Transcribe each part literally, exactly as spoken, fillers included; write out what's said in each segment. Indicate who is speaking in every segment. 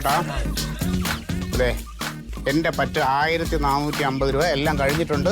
Speaker 1: ചേട്ടാ അതെ എൻ്റെ പറ്റ് ആയിരത്തി നാനൂറ്റി അമ്പത് രൂപ എല്ലാം കഴിഞ്ഞിട്ടുണ്ട്.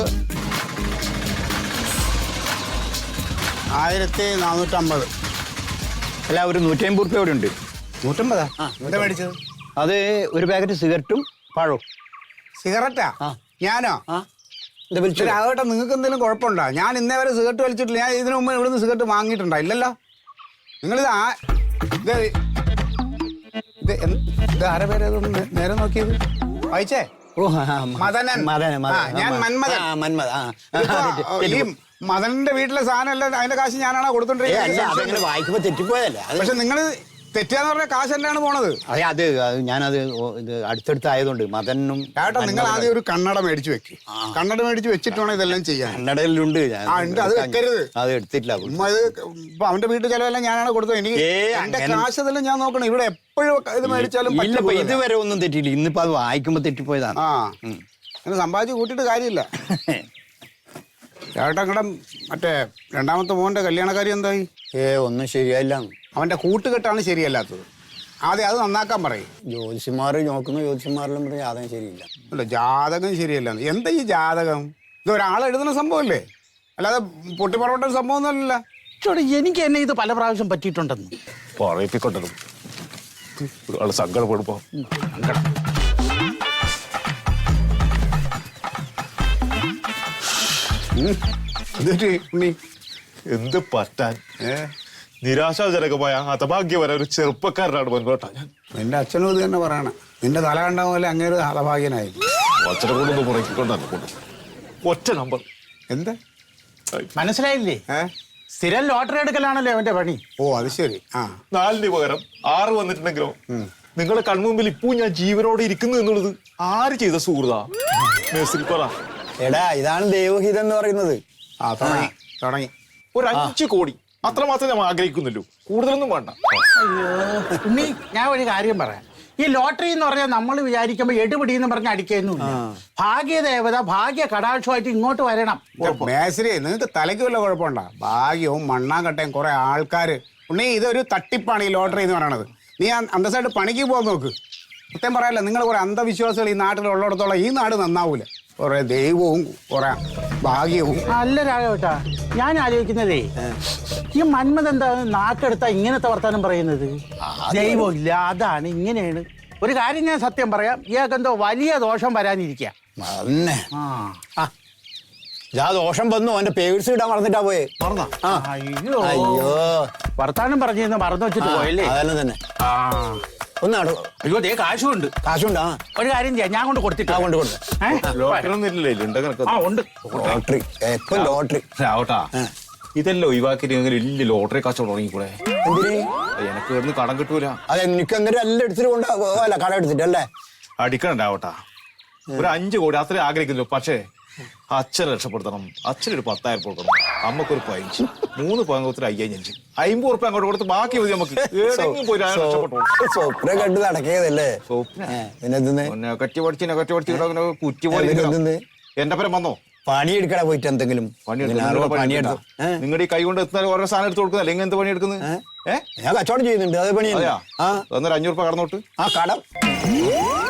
Speaker 1: ആയിരത്തി നാനൂറ്റമ്പത്
Speaker 2: അല്ല ഒരു നൂറ്റി അമ്പത് റുപ്യ ഇവിടെ ഉണ്ട്.
Speaker 1: നൂറ്റമ്പതാ? എന്താ മേടിച്ചത്?
Speaker 2: അത് ഒരു പാക്കറ്റ് സിഗരറ്റും പഴവും.
Speaker 1: സിഗരറ്റാ? ഞാനോ? ആകട്ടെ, നിങ്ങൾക്ക് എന്തെങ്കിലും കുഴപ്പമുണ്ടോ? ഞാൻ ഇന്നേ വരെ സിഗരറ്റ് വലിച്ചിട്ടില്ല. ഞാൻ ഇതിനു മുമ്പ് ഇവിടുന്ന് സിഗരറ്റ് വാങ്ങിയിട്ടുണ്ടോ? ഇല്ലല്ലോ. നിങ്ങളിത് ആ ഇത് ഇത് ഇത് ആരെ പേര് നേരെ നോക്കിയത് വായിച്ചേ?
Speaker 2: ഓ
Speaker 1: മദനൻ. ഞാൻ മന്മഥൻ. ഈ മദനന്റെ വീട്ടിലെ സാധനം അല്ല, അതിന്റെ കാശ് ഞാനാണോ കൊടുത്തോണ്ടിരിക്കുന്നത്?
Speaker 2: വായിക്കുമ്പോ തെറ്റിപ്പോയല്ലേ.
Speaker 1: പക്ഷെ നിങ്ങൾ തെറ്റിയാന്ന് പറഞ്ഞ കാശ് എന്താണ് പോണത്?
Speaker 2: അതെ, അത് ഞാനത് ഇത് അടുത്തടുത്തായതുകൊണ്ട് മദനും.
Speaker 1: ചേട്ടാ, നിങ്ങൾ ആദ്യം ഒരു കണ്ണട മേടിച്ചു വെക്ക്. കണ്ണട മേടിച്ച് വെച്ചിട്ട് വേണം ഇതെല്ലാം ചെയ്യാൻ.
Speaker 2: കണ്ണടയിലുണ്ട്.
Speaker 1: അത് വെക്കരുത്.
Speaker 2: അത് എടുത്തിട്ടില്ല.
Speaker 1: ഇപ്പൊ അവന്റെ വീട്ടിൽ ചെലവെല്ലാം ഞാനാണ് കൊടുത്തത്. എനിക്ക് എന്റെ കാശ് ഇതെല്ലാം ഞാൻ നോക്കണം. ഇവിടെ എപ്പോഴും ഇത് മേടിച്ചാലും
Speaker 2: ഇതുവരെ ഒന്നും തെറ്റിയില്ല. ഇന്നിപ്പോ അത് വായിക്കുമ്പോ തെറ്റിപ്പോയതാണ്. ആ
Speaker 1: അങ്ങനെ സമ്പാദിച്ച് കൂട്ടിയിട്ട് കാര്യമില്ല. ചേട്ടാ, അങ്ങടെ മറ്റേ രണ്ടാമത്തെ മോന്റെ കല്യാണക്കാരി എന്തായി?
Speaker 2: ഏ ഒന്നും ശരിയായില്ല.
Speaker 1: അവന്റെ കൂട്ടുകെട്ടാണ് ശരിയല്ലാത്തത്. ആദ്യം അത് നന്നാക്കാൻ പറയും.
Speaker 2: ജ്യോതിഷന്മാർ നോക്കുന്നു, ജ്യോതിഷന്മാരെല്ലാം പറയും ജാതകം ശരിയില്ല.
Speaker 1: അല്ല, ജാതകം ശരിയല്ല. എന്താ ഈ ജാതകം? ഇത് ഒരാൾ എഴുതുന്ന സംഭവമല്ലേ, അല്ലാതെ പൊട്ടിപ്പറവട്ട സംഭവം ഒന്നുമല്ലല്ലോ.
Speaker 3: എനിക്ക് എന്നെ ഇത് പല പ്രാവശ്യം പറ്റിയിട്ടുണ്ടെന്ന്
Speaker 4: പറയിപ്പിക്കൊണ്ടത് ഒരാൾ സങ്കടപ്പെടുമ്പോ എന്ത് പറ്റാൻ. നിരാശാജനകമായ ഹതഭാഗ്യവരെ ഒരു ചെറുപ്പക്കാരനാണ് മുൻപോട്ടാ ഞാൻ.
Speaker 1: എന്റെ അച്ഛനും ഇത് തന്നെ പറയണം. നിന്റെ തല കണ്ട പോലെ അങ്ങേര് ഹതഭാഗ്യനായി.
Speaker 4: അച്ഛനെ കൊണ്ടൊന്ന് പുറക്കിക്കൊണ്ടാണ് കൊണ്ട് ഒറ്റ നമ്പർ.
Speaker 1: എന്താ
Speaker 3: മനസ്സിലായില്ലേ? സ്ഥിരം ലോട്ടറി എടുക്കലാണല്ലോ അവന്റെ പണി.
Speaker 1: ഓ അത് ശരി. ആ
Speaker 4: നാലിന് പകരം ആറ് വന്നിട്ടുണ്ടെങ്കിലോ നിങ്ങളുടെ കൺമുമ്പിൽ ഇപ്പോ ഞാൻ ജീവനോടെ ഇരിക്കുന്നു എന്നുള്ളത് ആര് ചെയ്ത സുഹൃതാ?
Speaker 2: എടാ, ഇതാണ് ദൈവഹിതം എന്ന് പറയുന്നത്.
Speaker 1: ആ തുടങ്ങി തുടങ്ങി
Speaker 4: ഒരു അഞ്ചു കോടി അത്ര മാത്രമേ നമ്മൾ ആഗ്രഹിക്കുന്നുള്ളൂ, കൂടുതലൊന്നും വേണ്ട.
Speaker 3: അയ്യോ ഉണ്ണി, ഞാൻ ഒരു കാര്യം പറയാം. ഈ ലോട്ടറി എന്ന് പറഞ്ഞാൽ നമ്മൾ വിചാരിക്കുമ്പോ എടുപിടി എന്ന് പറഞ്ഞ് അടിക്കുന്നില്ല. ഭാഗ്യദേവത ഭാഗ്യ കടാക്ഷമായിട്ട് ഇങ്ങോട്ട് വരണം.
Speaker 1: മേശ്രി, നിങ്ങൾക്ക് തലയ്ക്ക് വല്ല കുഴപ്പമുണ്ടോ? ഭാഗ്യവും മണ്ണാങ്കട്ടയും കുറെ ആൾക്കാര്. ഉണ്ണി, ഇതൊരു തട്ടിപ്പാണ് ഈ ലോട്ടറി എന്ന് പറയണത്. നീ അന്തസ്സായിട്ട് പണിക്ക് പോകാൻ നോക്ക്. സത്യം പറയാല്ല, നിങ്ങൾ കുറെ അന്ധവിശ്വാസികൾ ഈ നാട്ടിലുള്ളിടത്തോളം ഈ നാട് നന്നാവൂല. കുറെ ദൈവവും കുറെ ഭാഗ്യവും.
Speaker 3: അല്ല രാഘവട്ടാ, ഞാൻ ആലോചിക്കുന്നതേ, ഈ മന്മഥ എന്താ നാക്കെടുത്താ ഇങ്ങനത്തെ വർത്താനം പറയുന്നത്? ദൈവം ഇല്ല, അതാണ് ഇങ്ങനെയാണ്. ഒരു കാര്യം ഞാൻ സത്യം പറയാം, ഇയാൾക്കെന്തോ വലിയ ദോഷം വരാനിരിക്കുക.
Speaker 2: ദോഷം വന്നു. അവന്റെ പേഴ്സ് ഇടാൻ മറന്നിട്ടാ പോയെ.
Speaker 3: മറന്നാ? അയ്യോ അയ്യോ, വർത്താനം പറഞ്ഞിരുന്ന മറന്നു വെച്ചിട്ട് പോയല്ലേ.
Speaker 2: അതന്നെ തന്നെ. ഒന്നാടോ.
Speaker 3: അയ്യോ, ദേ കാശുണ്ട്.
Speaker 2: കാശുണ്ട്.
Speaker 3: ഒരു കാര്യം ചെയ്യാം, ഞാൻ കൊണ്ട് കൊടുത്തിട്ട്
Speaker 2: കൊണ്ട് കൊടുത്തു. ലോട്ടറി എപ്പം ലോട്ടറി
Speaker 4: രാവട്ടാ, ഇതെല്ലാം ഒഴിവാക്കി വലിയ ലോട്ടറി കച്ചവടം തുടങ്ങിക്കൂടെ? എനക്ക് ഇവിടുന്ന് കടം കിട്ടൂല.
Speaker 2: അതെ, എനിക്ക് അന്നേരം എല്ലാം എടുത്തിട്ട് കൊണ്ടല്ല, കടം എടുത്തിട്ടല്ലേ.
Speaker 4: അടിക്കണ്ടാവട്ടാ, ഒരു അഞ്ചു കോടി അത്രേ ആഗ്രഹിക്കുന്നു. പക്ഷേ അച്ഛനെ രക്ഷപ്പെടുത്തണം. അച്ഛനൊരു പത്തായിരം കൊടുക്കണം, അമ്മക്കൊരു പതിനഞ്ച്, മൂന്ന് പങ്കത്തിന് അയ്യായിരം അഞ്ച് അമ്പത് ഉറുപ്പ്യ അങ്ങോട്ട് കൊടുത്ത് ബാക്കി മതി നമുക്ക്.
Speaker 2: സ്വപ്നം കണ്ട് നടക്കിയതല്ലേ.
Speaker 4: പിന്നെ കറ്റി പഠിച്ച് കറ്റി പഠിച്ച് കുറ്റി പോലെ എന്റെ പരം വന്നോ?
Speaker 2: പണിയെടുക്കണ പോയിട്ട് എന്തെങ്കിലും
Speaker 4: പണിയെടുത്തു. നിങ്ങളുടെ ഈ കൈ കൊണ്ട് എത്തുന്ന ഓരോ സാധനം എടുത്ത് കൊടുക്കുന്നത്, അല്ലെങ്കിൽ എന്ത് പണിയെടുക്കുന്നത്? ഏഹ്,
Speaker 2: ഞാൻ കച്ചവടം ചെയ്യുന്നുണ്ട്. അത് പണിയാ.
Speaker 4: അന്നൊരു അഞ്ഞൂറ് രൂപ കടന്നോട്ട്.
Speaker 2: ആ കടം